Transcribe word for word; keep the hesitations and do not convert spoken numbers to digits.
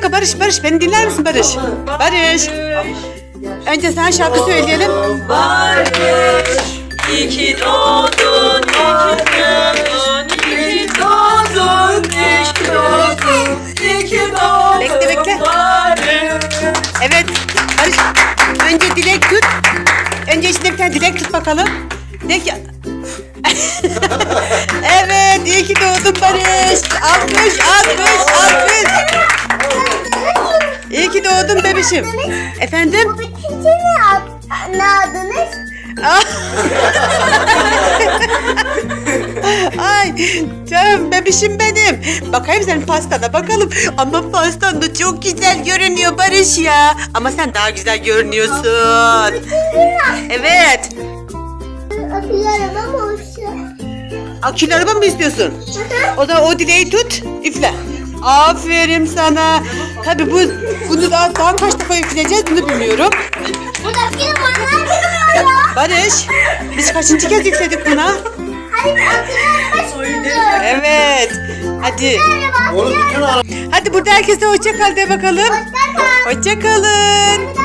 dakika Barış, Barış beni dinler misin Barış? Barış. Önce sen şarkı söyleyelim. Barış, iyi ki doğdun, iyi ki doğdun, iyi ki doğdun, iyi ki doğdun, iyi ki doğdun. Bekle, bekle. Barış. Evet Barış. Önce dilek tut. Önce içinde bir tane dilek tut bakalım. De ki... Evet, iyi ki doğdun Barış. Alkış, alkış, alkış. İyi ki doğdun bebişim. Efendim? Bu bitince ne, ad- ne adınız? Ay canım bebişim benim. Bakayım senin pastana bakalım. Ama pastan da çok güzel görünüyor Barış ya. Ama sen daha güzel görünüyorsun. Evet. Akıllı arabam olsun. Akülü araba mı istiyorsun? O zaman o dileği tut, üfle. Aferin sana. Tabii bu bunu daha, daha kaç defa üfleyeceğiz bunu bilmiyorum. Bu da film onlar bilmiyor ya. Barış, biz kaçıncı kez üfledik buna? Hadi akıllı araba çıkıyordu. Evet. Hadi. Araba, Oğlum bütün araba. Hadi burada herkese hoşça kal de bakalım. hoşça kal. Hoşça kalın.